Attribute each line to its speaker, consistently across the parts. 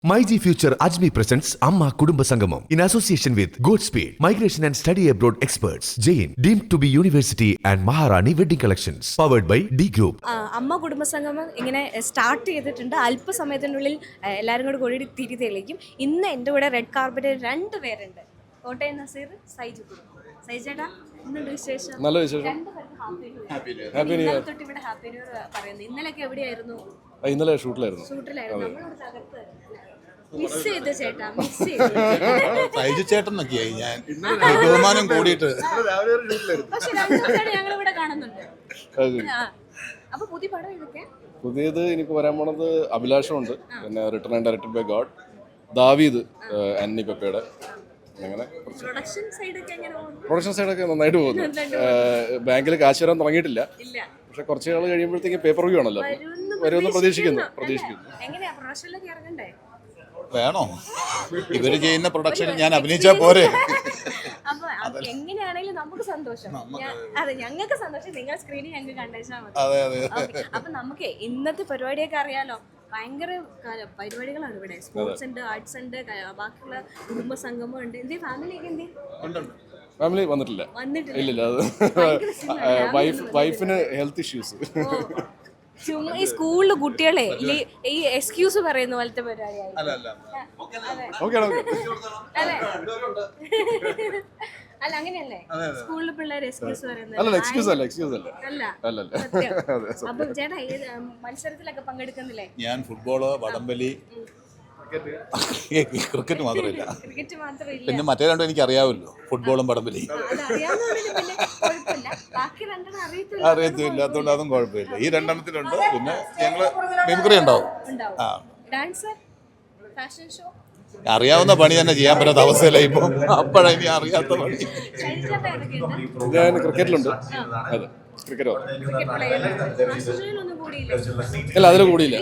Speaker 1: MyG Future Ajmi presents Amma Kudumba Sangamam in association with Goodspeed, Migration and Study Abroad Experts, Jain, deemed to be University and Maharani Wedding Collections, powered by D Group.
Speaker 2: അമ്മ കുടുംബസംഗമം ഇങ്ങനെ start ചെയ്തിട്ടുണ്ട്. അല്പസമയത്തിനുള്ളിൽ എല്ലാവരും കൂടി കൂടി തിരി തെളിയിക്കും. ഇന്ന് എൻ്റെ കൂടെ റെഡ് കാർപ്പറ്റിൽ 2 പേരുണ്ട്. കോട്ടയം നസീർ, സൈജു. സൈജേട്ടാ, എന്തുണ്ട് വിശേഷം?
Speaker 3: നല്ല വിശേഷം.
Speaker 2: Happy new year. തൊട്ട് ഇവിടെ ഹാപ്പി ന്യൂ ഇയർ പറയുന്നത്. ഇന്നലെയൊക്കെ എവിടെയായിരുന്നു?
Speaker 3: ഇന്നലെ ഷൂട്ടിലായിരുന്നു.
Speaker 2: മിസ് ചെയ്ത് ചേട്ടാ, മിസ് ചെയ്ത്.
Speaker 4: സൈജു ചേട്ടനൊക്കെയായി ഞാൻ ബഹുമാനം കൂടിയിട്ട്.
Speaker 2: പക്ഷെ ഞങ്ങൾ ഇവിടെ കാണുന്നുണ്ട്. അപ്പൊ പുതിയ പടം ഇതൊക്കെ
Speaker 3: പുതിയത് എനിക്ക് വരാൻ പോണത് അഭിലാഷമുണ്ട്, പിന്നെ return and directed by God, Daveed, Antony പെപ്പയുടെ. അങ്ങനെ പ്രൊഡക്ഷൻ സൈഡൊക്കെ നന്നായിട്ട് പോകുന്നു. ബാങ്കിൽ കാശ് വരാൻ തുടങ്ങിയിട്ടില്ല, പക്ഷെ കുറച്ച് നാൾ കഴിയുമ്പോഴത്തേക്ക് പേപ്പർ വ്യൂ ആണല്ലോ, വരുമെന്ന് പ്രതീക്ഷിക്കുന്നു.
Speaker 4: വേണോ ഇവര് ചെയ്യുന്ന പ്രൊഡക്ഷൻ ഞാൻ അഭിനയിച്ചാ പോരെ?
Speaker 2: എങ്ങനെയാണെങ്കിലും നമുക്ക് സന്തോഷം. അതെ, ഞങ്ങൾക്ക് സന്തോഷം. നിങ്ങൾ സ്ക്രീനിൽ ഞങ്ങൾക്ക് കണ്ടേച്ചാൽ മതി. അപ്പൊ നമുക്ക് ഇന്നത്തെ പരിപാടിയൊക്കെ അറിയാലോ. ഭയങ്കര പരിപാടികളാണ് ഇവിടെ. സ്പോർട്സ് ഉണ്ട്, ആർട്സ് ഉണ്ട്, ബാക്കിയുള്ള കുടുംബ സംഗമം ഉണ്ട്. എന്തേ ഫാമിലിയൊക്കെ എന്തേ?
Speaker 3: ഫാമിലി വന്നിട്ടില്ല. ഇല്ലില്ല, അത് വൈഫിന് ഹെൽത്ത് ഇഷ്യൂസ്.
Speaker 2: ചുമ്മാ ഈ സ്കൂളില് കുട്ടികളെ ഈ എക്സ്ക്യൂസ് പറയുന്ന പോലത്തെ പരിപാടിയായി. അല്ല, അങ്ങനെയല്ലേ സ്കൂളിലെ പിള്ളേർ എക്സ്ക്യൂസ് പറയുന്നത്? അപ്പൊ ചേട്ടാ, മത്സരത്തിലൊക്കെ പങ്കെടുക്കുന്നില്ലേ?
Speaker 4: ഞാൻ ഫുട്ബോള്, വടംവലി, ക്രിക്കറ്റ് മാത്രമില്ല.
Speaker 2: ക്രിക്കറ്റ് മാത്രമില്ല,
Speaker 4: പിന്നെ മറ്റേ രണ്ടും എനിക്ക് അറിയാമല്ലോ, ഫുട്ബോളും വടംവലി. അറിയത്തില്ലാത്തതുകൊണ്ട് അതും കുഴപ്പമില്ല. ഈ 2 പിന്നെ ഞങ്ങള് മിമിക്രി ഉണ്ടാവും. അറിയാവുന്ന പണി തന്നെ ചെയ്യാൻ പറ്റാത്ത അവസ്ഥയില്ല ഇപ്പൊ. അപ്പോഴാണ് ഇനി അറിയാത്ത പണി.
Speaker 3: ഞാൻ ക്രിക്കറ്റിലുണ്ട്. അതെ, ക്രിക്കറ്റ് അല്ല, അതിൽ കൂടിയില്ല.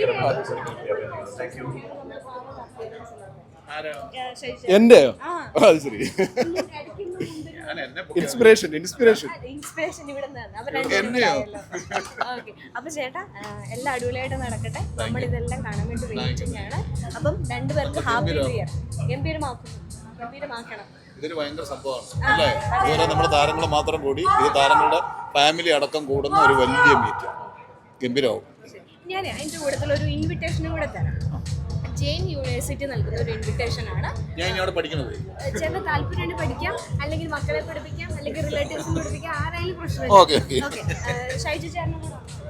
Speaker 3: എന്റെയോ? അത് ശരി. ഇൻസ്പിറേഷൻ.
Speaker 2: അപ്പൊ ചേട്ടാ, എല്ലാം അടിപൊളിയായിട്ട് നടക്കട്ടെ. നമ്മൾ ഇതെല്ലാം കാണാൻ വേണ്ടി വെയിറ്റിംഗ് ആണ്. അപ്പം 2 പേർക്ക് ഹാപ്പി ന്യൂ ഇയർ. ഗംഭീരമാക്കണം.
Speaker 4: ഇതൊരു ഭയങ്കര സംഭവമാണ് അല്ലേ? ഇതുവരെ നമ്മുടെ താരങ്ങൾ മാത്രം കൂടി, ഇത് താരങ്ങളുടെ ഫാമിലി അടക്കം കൂടുന്ന ഒരു വലിയ മീറ്റ്. ഗംഭീരമാവും.
Speaker 2: ഞാൻ അതിന്റെ കൂട്ടത്തിൽ ഒരു ഇൻവിറ്റേഷനും കൂടെ തരാം. ജെയിൻ യൂണിവേഴ്സിറ്റി നൽകുന്ന ഒരു ഇൻവിറ്റേഷൻ ആണ്.
Speaker 4: ഞാൻ ഇവിടെ പഠിക്കുന്നത്.
Speaker 2: ചേട്ടന് താല്പര്യം പഠിക്കാം, അല്ലെങ്കിൽ മക്കളെ പഠിപ്പിക്കാം, അല്ലെങ്കിൽ റിലേറ്റീവ്സിനെ പഠിപ്പിക്കാം, ആരായാലും പ്രശ്നമില്ല. ഷൈജു ചേട്ടനും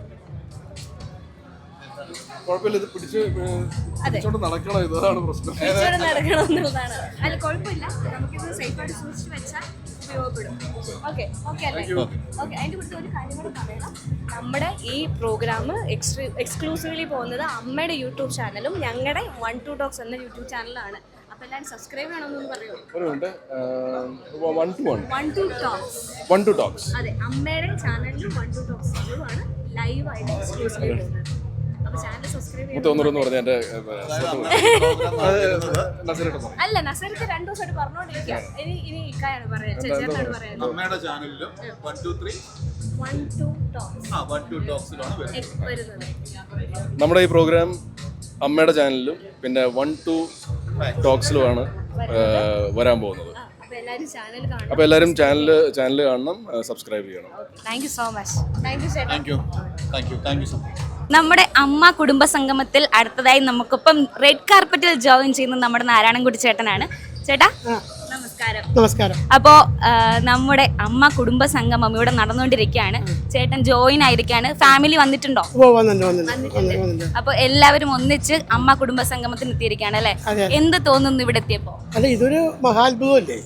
Speaker 3: കുഴപ്പമില്ല, ഇത് പിടിച്ചോണ്ട് നടക്കണം, ഇതാണ് പ്രശ്നം.
Speaker 2: നടക്കണം എന്നുള്ളതാണ്. അല്ല, കുഴപ്പമില്ല, നമുക്കിത് സേഫായിട്ട് സൂക്ഷിച്ച് വെച്ചാൽ ഉപയോഗപ്പെടും. ഓക്കെ അല്ലേ? ഓക്കെ. അതിൻ്റെ കൂടുതൽ ഒരു കാര്യം കൂടെ പറയണം. നമ്മുടെ ഈ പ്രോഗ്രാം എക്സ്ക്ലൂസീവ്ലി പോകുന്നത് അമ്മയുടെ യൂട്യൂബ് ചാനലും ഞങ്ങളുടെ 1-2 ടോക്സ് എന്ന യൂട്യൂബ് ചാനലാണ്. അപ്പോൾ എല്ലാവരും സബ്സ്ക്രൈബ് ചെയ്യണമെന്നൊന്ന് പറയുമോ?
Speaker 3: 1-2 ടോക്സ്.
Speaker 2: അതെ, അമ്മയുടെ ചാനലിലും 1-2 ടോക്സിലുമാണ് ലൈവായിട്ട് എക്സ്ക്ലൂസീവ്ലി പോകുന്നത്. അല്ല, നസർക്ക് 2 ദിവസമായിട്ട് പറഞ്ഞോണ്ടിരിക്കാം. ഇനി ഇക്കായാണ് പറയാം, ചേട്ടനാണ് പറയുന്നത്.
Speaker 4: അമ്മയുടെ ചാനലിലും 1-2 ടോക്സിലാണ് വരുന്നത്.
Speaker 3: നമ്മുടെ ഈ പ്രോഗ്രാം അമ്മയുടെ ചാനലിലും പിന്നെ 1-2 ടോക്സിലുമാണ് വരാൻ പോകുന്നത്. അപ്പൊ എല്ലാവരും ചാനൽ കാണണം, സബ്സ്ക്രൈബ് ചെയ്യണം.
Speaker 2: Thank you so much.
Speaker 4: Thank you so much.
Speaker 5: നമ്മുടെ അമ്മ കുടുംബ സംഗമത്തിൽ അടുത്തതായി നമുക്കിപ്പം റെഡ് കാർപ്പറ്റിൽ ജോയിൻ ചെയ്യുന്ന നമ്മുടെ നാരായണൻകുട്ടി ചേട്ടനാണ്. ചേട്ടാ, നമസ്കാരം. അപ്പോൾ നമ്മുടെ അമ്മ കുടുംബ സംഗമം ഇവിടെ നടന്നുകൊണ്ടിരിക്കുകയാണ്. ചേട്ടൻ ജോയിൻ ആയിരിക്കാണ്. ഫാമിലി വന്നിട്ടുണ്ടോ? അപ്പോൾ എല്ലാവരും ഒന്നിച്ച് അമ്മ കുടുംബ സംഗമത്തിന് എത്തിയിരിക്കുകയാണ് അല്ലേ? എന്ത് തോന്നുന്നു ഇവിടെ എത്തിയപ്പോ?
Speaker 6: അല്ല, ഇതൊരു മഹാത്ഭുതമല്ലേ?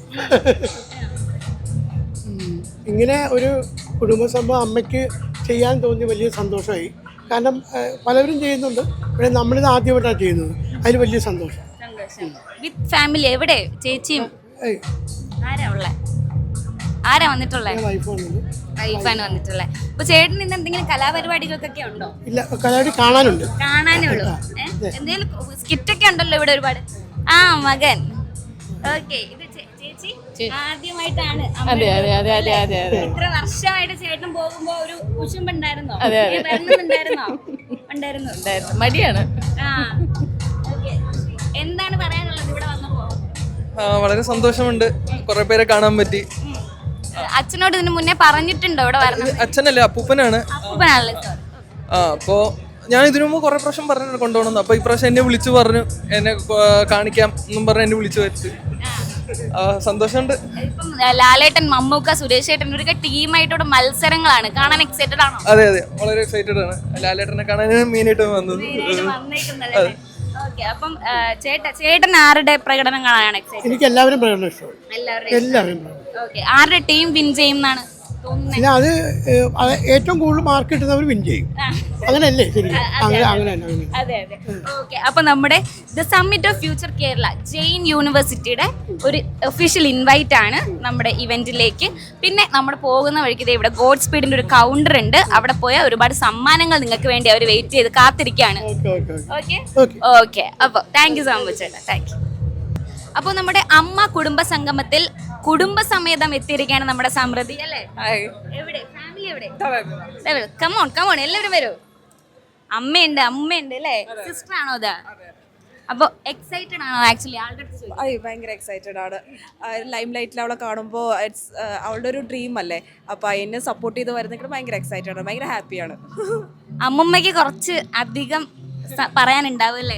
Speaker 6: ഇങ്ങനെ ഒരു കുടുംബ സംഭവം അമ്മയ്ക്ക് ചെയ്യാൻ തോന്നി വലിയ സന്തോഷമായി. കാരണം പലവരും ചെയ്യുന്നുണ്ട്, പക്ഷേ നമ്മളിത് ആദ്യമായിട്ടാണ് ചെയ്യുന്നത്. അതിൽ വലിയ സന്തോഷം.
Speaker 5: With family. എവിടെ ചേച്ചിയും ആരാ വന്നിട്ടുള്ളത്? വൈഫാണ് വന്നിട്ടുള്ളത്. അപ്പൊ ചേട്ടൻ ഇന്ന് എന്തെങ്കിലും കലാപരിപാടികൾക്കൊക്കെ ഉണ്ടോ?
Speaker 6: ഇല്ല, കലാപരിപാടി കാണാനേ
Speaker 5: ഉള്ളൂ. എന്തെങ്കിലും സ്കിറ്റൊക്കെ ഉണ്ടല്ലോ ഇവിടെ ഒരുപാട്. ആ, മകൻ. ഓക്കെ. ഇത് ചേച്ചി ആദ്യമായിട്ടാണ്. എത്ര വർഷമായിട്ട് ചേട്ടൻ പോകുമ്പോ ഒരു കുശുമ്പുണ്ടായിരുന്നോ? ഉണ്ടായിരുന്നോ?
Speaker 7: മടിയാണ്.
Speaker 5: ആ, ഓക്കെ. എന്താ
Speaker 7: വളരെ സന്തോഷമുണ്ട്, കുറെ പേരെ കാണാൻ പറ്റി.
Speaker 5: അച്ഛനോട് ഇതിന് മുന്നേ പറഞ്ഞിട്ടുണ്ടോ ഇവിടെ വരണം?
Speaker 7: അച്ഛനല്ലേ, അപ്പൂപ്പനാണ്.
Speaker 5: അപ്പൂപ്പനാണല്ലേ സാർ.
Speaker 7: അപ്പോൾ ഞാൻ ഇതിനു മുമ്പ് കുറെ പ്രാവശ്യം പറഞ്ഞു കൊണ്ടുപോകണം. അപ്പോൾ ഇപ്രാവശ്യം എന്നെ വിളിച്ചു പറഞ്ഞു, എന്നെ കാണിക്കാം എന്നും പറഞ്ഞ് എന്നെ വിളിച്ചു വരുത്തി. സന്തോഷമുണ്ട്.
Speaker 5: ഇപ്പം ലാലേട്ടൻ, മമ്മൂക്ക, സുരേഷ് ഏട്ടൻ ഒരു ടീമായിട്ടോടെ മത്സരങ്ങളാണ്. കാണാൻ എക്സൈറ്റഡ് ആണോ?
Speaker 7: അതെ അതെ, വളരെ എക്സൈറ്റഡ് ആണ്. ലാലേട്ടനെ കാണാനാണ് മെയിനായിട്ട് വന്നത്.
Speaker 5: ഓക്കെ, അപ്പം ചേട്ടൻ ആരുടെ പ്രകടനം കാണാനാണ് എക്സൈറ്റഡ്?
Speaker 6: എനിക്ക് എല്ലാവരും പ്രകടനം ഇഷ്ടമാണ്. എല്ലാവരും
Speaker 5: ഓക്കെ, ആരുടെ ടീം വിൻ ചെയ്യും എന്നാണ് തോന്നുന്നത്?
Speaker 6: പിന്നെ അത് ഏറ്റവും കൂടുതൽ മാർക്ക് കിട്ടുന്നവർ വിൻ ചെയ്യും. അങ്ങനെയല്ലേ? ശരി, അങ്ങനെ.
Speaker 5: അതെ അതെ. ഓക്കെ, അപ്പൊ നമ്മുടെ the summit of future Kerala Jain യൂണിവേഴ്സിറ്റിയുടെ ഒരു ഒഫീഷ്യൽ ഇൻവൈറ്റ് ആണ് നമ്മുടെ ഇവന്റിലേക്ക്. പിന്നെ നമ്മൾ പോകുന്ന വഴിക്ക് ഇവിടെ ഗോഡ് സ്പീഡിന്റെ ഒരു കൗണ്ടർ ഉണ്ട്. അവിടെ പോയാൽ ഒരുപാട് സമ്മാനങ്ങൾ നിങ്ങൾക്ക് വേണ്ടി അവർ വെയിറ്റ് ചെയ്ത് കാത്തിരിക്കുകയാണ്. ഓക്കെ, അപ്പോൾ താങ്ക് യു സോ മച്ച് ചേട്ടാ, താങ്ക് യു. അപ്പോൾ നമ്മുടെ അമ്മ കുടുംബ സംഗമത്തിൽ കുടുംബസമേതം എത്തിയിരിക്കുകയാണ് നമ്മുടെ സമൃദ്ധി അല്ലേ? എവിടെ ഫാമിലി എവിടെ? കമോൺ എല്ലാവരും വരൂ. അമ്മയുണ്ട് അല്ലേ? സിസ്റ്റർ ആണോ അത്? അപ്പോൾ എക്സൈറ്റഡ് ആണോ? ആക്ച്വലി ആളുടെ
Speaker 8: ഭയങ്കര എക്സൈറ്റഡ് ആണ്. ലൈം ലൈറ്റിൽ അവളെ കാണുമ്പോൾ അവളുടെ ഒരു ഡ്രീം അല്ലേ, അപ്പോൾ അതിനെ സപ്പോർട്ട് ചെയ്ത് വരുന്നെങ്കിൽ ഭയങ്കര എക്സൈറ്റഡ് ആണ്, ഭയങ്കര ഹാപ്പിയാണ്.
Speaker 5: അമ്മമ്മയ്ക്ക് കുറച്ച് അധികം പറയാനുണ്ടാവുമല്ലേ?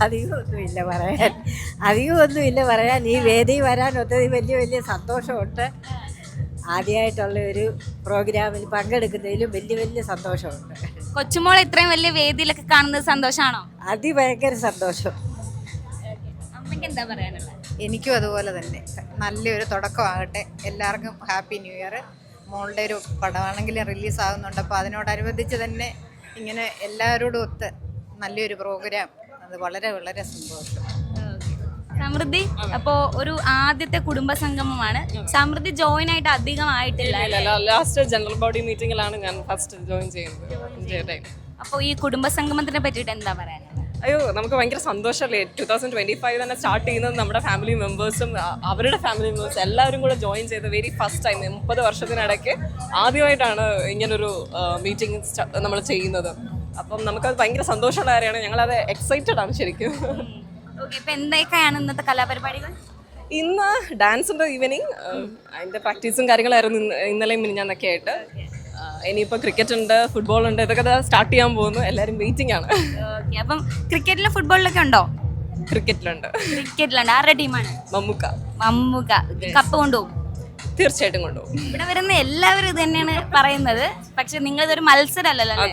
Speaker 9: അധികമൊന്നുമില്ല പറയാൻ. ഈ വേദി വരാൻ ഒത്തിരി വലിയ സന്തോഷമുണ്ട്. ആദ്യമായിട്ടുള്ള ഒരു പ്രോഗ്രാമിൽ പങ്കെടുക്കുന്നതിലും വലിയ സന്തോഷമുണ്ട്.
Speaker 5: കൊച്ചുമോൾ ഇത്രയും വലിയ വേദിയിലൊക്കെ കാണുന്നത് സന്തോഷമാണോ?
Speaker 9: അതിഭയങ്കര സന്തോഷം.
Speaker 5: അമ്മയ്ക്ക് എന്താ പറയാനുള്ളത്?
Speaker 10: എനിക്കും അതുപോലെ തന്നെ നല്ലൊരു തുടക്കമാകട്ടെ. എല്ലാവർക്കും ഹാപ്പി ന്യൂ ഇയർ. മോളുടെ ഒരു പടമാണെങ്കിലും റിലീസ് ആകുന്നുണ്ട്, അപ്പോൾ അതിനോടനുബന്ധിച്ച് തന്നെ ഇങ്ങനെ എല്ലാവരോടും ഒത്ത് നല്ലൊരു പ്രോഗ്രാം, അത് വളരെ സന്തോഷം.
Speaker 5: സമൃദ്ധി, അപ്പോ ഒരു ആദ്യത്തെ കുടുംബ സംഗമമാണ്. സമൃദ്ധി ജോയിൻ ആയിട്ട് അധികം ആയിട്ടില്ല.
Speaker 8: ലാസ്റ്റ് ജനറൽ ബോഡി മീറ്റിംഗിലാണ് ഞാൻ ഫസ്റ്റ് ജോയിൻ ചെയ്യുന്നത്.
Speaker 5: അപ്പോൾ ഈ കുടുംബ സംഗമത്തിനെ പറ്റിയിട്ട് എന്താ പറയാനുള്ളത്?
Speaker 8: അയ്യോ, നമുക്ക് ഭയങ്കര സന്തോഷമല്ലേ. 2025 തന്നെ സ്റ്റാർട്ട് ചെയ്യുന്നത് നമ്മുടെ ഫാമിലി മെമ്പേഴ്സും അവരുടെ ഫാമിലി മെമ്പേഴ്സും എല്ലാവരും കൂടെ ജോയിൻ ചെയ്ത് വെരി ഫസ്റ്റ് ടൈം 30 വർഷത്തിനിടയ്ക്ക് ആദ്യമായിട്ടാണ് ഇങ്ങനൊരു മീറ്റിംഗ് നമ്മൾ ചെയ്യുന്നത്. അപ്പം നമുക്കത് ഭയങ്കര സന്തോഷമുള്ള കാര്യമാണ്. ഞങ്ങളത് എക്സൈറ്റഡ് ആണ് ശരിക്കും.
Speaker 5: ഇപ്പം എന്തൊക്കെയാണ് ഇന്നത്തെ കലാപരിപാടികൾ?
Speaker 8: ഇന്ന് ഡാൻസ് ഉണ്ട് ഈവനിങ്, അതിൻ്റെ പ്രാക്ടീസും കാര്യങ്ങളായിരുന്നു ഇന്നലെയും മിനിഞ്ഞാന്നൊക്കെ ആയിട്ട്. ഇനിയിപ്പോൾ ക്രിക്കറ്റ് ഉണ്ട്, ഫുട്ബോൾ ഉണ്ട്, ഇതൊക്കെ സ്റ്റാർട്ട് ചെയ്യാൻ പോകുന്നു. എല്ലാവരും വെയിറ്റിംഗ് ആണ്.
Speaker 5: അപ്പം ക്രിക്കറ്റിലും ഫുട്ബോളിലൊക്കെ ഉണ്ടോ?
Speaker 8: ക്രിക്കറ്റിലുണ്ട്.
Speaker 5: ആരുടെ ടീമാണ്? മമ്മൂക്ക. കപ്പ് കൊണ്ടുപോകും?
Speaker 8: തീർച്ചയായിട്ടും കൊണ്ടുപോകും.
Speaker 5: ഇവിടെ വരുന്ന എല്ലാവരും ഇത് തന്നെയാണ് പറയുന്നത്. പക്ഷെ നിങ്ങളിതൊരു മത്സരമല്ലല്ലോ?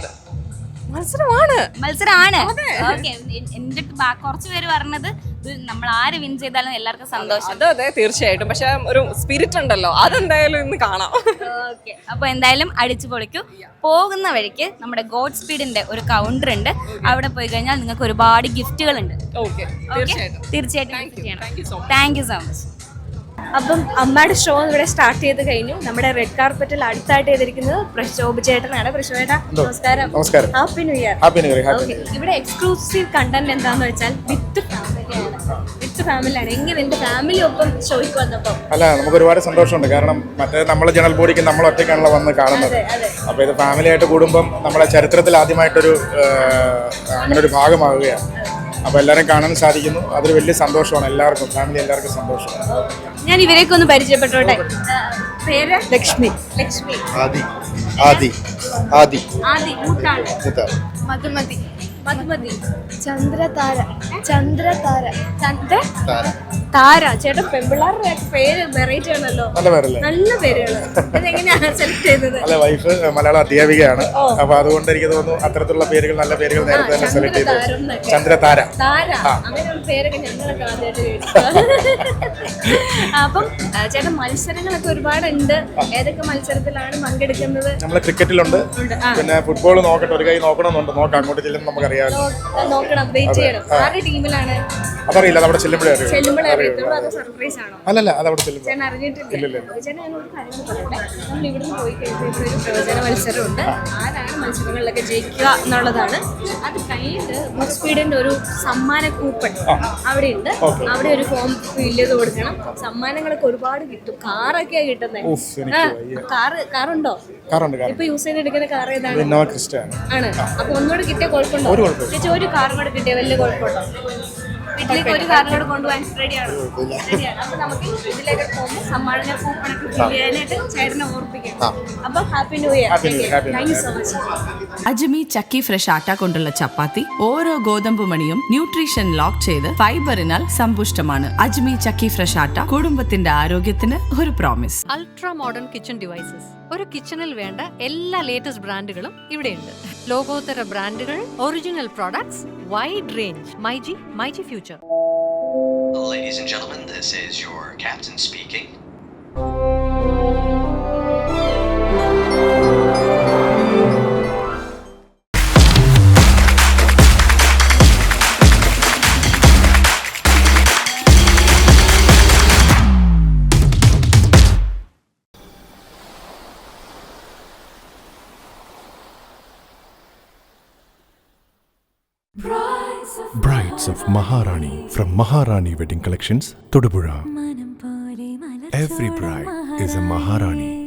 Speaker 5: മത്സരമാണ്. ഓക്കെ, എന്റെ കുറച്ച് പേര് പറഞ്ഞത് നമ്മൾ ആര് വിൻ ചെയ്താലും എല്ലാവർക്കും സന്തോഷം.
Speaker 8: അതെ തീർച്ചയായിട്ടും. പക്ഷെ ഒരു സ്പിരിറ്റ് ഉണ്ടല്ലോ, അതെന്തായാലും ഇന്ന് കാണാം.
Speaker 5: ഓക്കെ, അപ്പൊ എന്തായാലും അടിച്ചു പൊളിക്കൂ. പോകുന്ന വഴിക്ക് നമ്മുടെ ഗോഡ് സ്പീഡിന്റെ ഒരു കൗണ്ടർ ഉണ്ട്. അവിടെ പോയി കഴിഞ്ഞാൽ നിങ്ങൾക്ക് ഒരുപാട് ഗിഫ്റ്റുകൾ ഉണ്ട്. തീർച്ചയായിട്ടും താങ്ക് യു സോ മച്ച്.
Speaker 2: അപ്പം അമ്മയുടെ ഷോ ഇവിടെ സ്റ്റാർട്ട് ചെയ്ത് കഴിഞ്ഞു. നമ്മുടെ റെഡ് കാർപ്പറ്റിൽ അടുത്തായിട്ട് ചെയ്തിരിക്കുന്നത് പ്രശോഭ് ചേട്ടനാണ്. പ്രശോഭേട്ടാ നമസ്കാരം. Happy new year. ഓക്കെ, ഇവിടെ എക്സ്ക്ലൂസീവ് കണ്ടന്റ് എന്താന്ന് വെച്ചാൽ വിത്ത് ഫാമിലിയാണ്. എങ്ങനെ എന്റെ ഫാമിലി ഒപ്പം ഷോയ്ക്ക് വന്നപ്പോൾ
Speaker 11: അല്ല, നമുക്ക് ഒരുപാട് സന്തോഷമുണ്ട്. കാരണം മറ്റേ നമ്മളെ ജനറൽ ബോഡിക്ക് നമ്മൾ ഒറ്റയ്ക്കാണല്ലോ വന്ന് കാണുന്നത്. അപ്പോൾ ഇത് ഫാമിലി ആയിട്ട് കൂടുമ്പം നമ്മുടെ ചരിത്രത്തിൽ ആദ്യമായിട്ടൊരു അങ്ങനെ ഒരു ഭാഗമാവുകയാണ്. അപ്പോൾ എല്ലാവരും കാണാൻ സാധിക്കുന്നു. അതൊരു വലിയ സന്തോഷമാണ്. എല്ലാവർക്കും ഫാമിലി എല്ലാവർക്കും സന്തോഷമാണ്.
Speaker 2: ഞാൻ ഇവരെയൊക്കെ ഒന്ന് പരിചയപ്പെട്ടോട്ടെ. പേര്? ലക്ഷ്മി.
Speaker 11: ആദി
Speaker 2: മധുമതി. ചന്ദ്രതാര. താര. ചേട്ടൻ പെമ്പിള്ളാരുടെ പേര് വെറൈറ്റി ആണല്ലോ, നല്ല പേരുകൾ. ഇതെങ്ങനെയാണ് സെലക്ട് ചെയ്തത്?
Speaker 11: അല്ല, വൈഫ് മലയാള അധ്യാപികയാണ്. അപ്പൊ അതുകൊണ്ട് എനിക്ക് തോന്നുന്നു അത്തരത്തിലുള്ള പേരുകൾ, നല്ല പേരുകൾ നേരത്തെ തന്നെ സെലക്ട് ചെയ്തു. ചന്ദ്രതാര.
Speaker 2: അങ്ങനെയുള്ള പേരൊക്കെ ഞങ്ങളൊക്കെ ആദ്യമായിട്ട് കേട്ടു. അപ്പം ചേട്ടൻ മത്സരങ്ങളൊക്കെ ഒരുപാടുണ്ട്. ഏതൊക്കെ മത്സരത്തിലാണ് പങ്കെടുക്കുന്നത്?
Speaker 11: നമ്മള് ക്രിക്കറ്റിലുണ്ട്, പിന്നെ ഫുട്ബോൾ നോക്കട്ടെ, ഒരു കൈ നോക്കണമെന്നുണ്ട്. നോക്കാം, അങ്ങോട്ട് ചെല്ലുമ്പോൾ നമുക്കറിയാം.
Speaker 2: നോക്കണം, വെയിറ്റ് ചെയ്യണം. ആരുടെ ടീമിലാണ്?
Speaker 11: അതറിയില്ല, അതവിടെ ചെല്ലുമ്പോഴേ
Speaker 2: സർപ്രൈസ് ആണോ?
Speaker 11: അല്ലല്ല, അതവിടെ ചെല്ലുമ്പോൾ.
Speaker 2: ചേട്ടൻ അറിഞ്ഞിട്ടില്ല. ചേട്ടൻ ഞാനൊരു കാര്യം പറയട്ടെ. നമ്മൾ ഇവിടുന്ന് പോയി കഴിയുമ്പോൾ ഇവിടെ ഒരു പ്രവചന മത്സരമുണ്ട്. ആരാണ് മത്സരങ്ങളിലൊക്കെ ജയിക്കുക എന്നുള്ളതാണ്. അത് കഴിഞ്ഞിട്ട് ഗോഡ് സ്പീഡിന്റെ ഒരു സമ്മാന കൂപ്പൺ അവിടെ ഉണ്ട്. അവിടെ ഒരു ഫോം ഫില്ല് ചെയ്ത് കൊടുക്കണം. സമ്മാനങ്ങളൊക്കെ ഒരുപാട് കിട്ടും. കാറൊക്കെയാ കിട്ടുന്നത്. കാറുണ്ടോ? ഇപ്പൊ യൂസ് ചെയ്തെടുക്കുന്ന കാർ ഏതാണ്? ആണ്. അപ്പൊ ഒന്നുകൂടെ കിട്ടിയ കുഴപ്പമുണ്ടോ? ചേച്ചി ഒരു കാറും കൂടെ കിട്ടിയ വലിയ കുഴപ്പമുണ്ടോ? വീട്ടിലേക്ക് ഒരു കാര്യം കൂടെ കൊണ്ടുപോകാൻ റെഡിയാണ്. അപ്പൊ നമുക്ക് ഇതിലേക്ക് പോകുമ്പോൾ സമ്മാന കൂപ്പണൊക്കെ ചെയ്യാനായിട്ട് ചേട്ടനെ ഓർപ്പിക്കാം. അപ്പൊ happy new year. Thank you so much.
Speaker 12: Ajmi Chakki fresh atta കൊണ്ടുള്ള ചപ്പാത്തി ഓരോ ഗോതമ്പ് മണിയും ന്യൂട്രീഷൻ ലോക്ക് ചെയ്ത് ഫൈബറിനാൽ സമ്പുഷ്ടമാണ്. അജ്മി ചക്കി ഫ്രഷ് ആട്ട കുടുംബത്തിന്റെ ആരോഗ്യത്തിന് ഒരു promise.
Speaker 13: Ultra modern kitchen devices. ഒരു കിച്ചണിൽ വേണ്ട എല്ലാ ലേറ്റസ്റ്റ് ബ്രാൻഡുകളും ഇവിടെയുണ്ട്. ലോകോത്തര ബ്രാൻഡുകൾ, original products, wide range. MyG future.
Speaker 14: Ladies and gentlemen, this is your captain speaking.
Speaker 1: Brides of Maharani from Maharani Wedding Collections, Todupuzha. Every bride is a Maharani.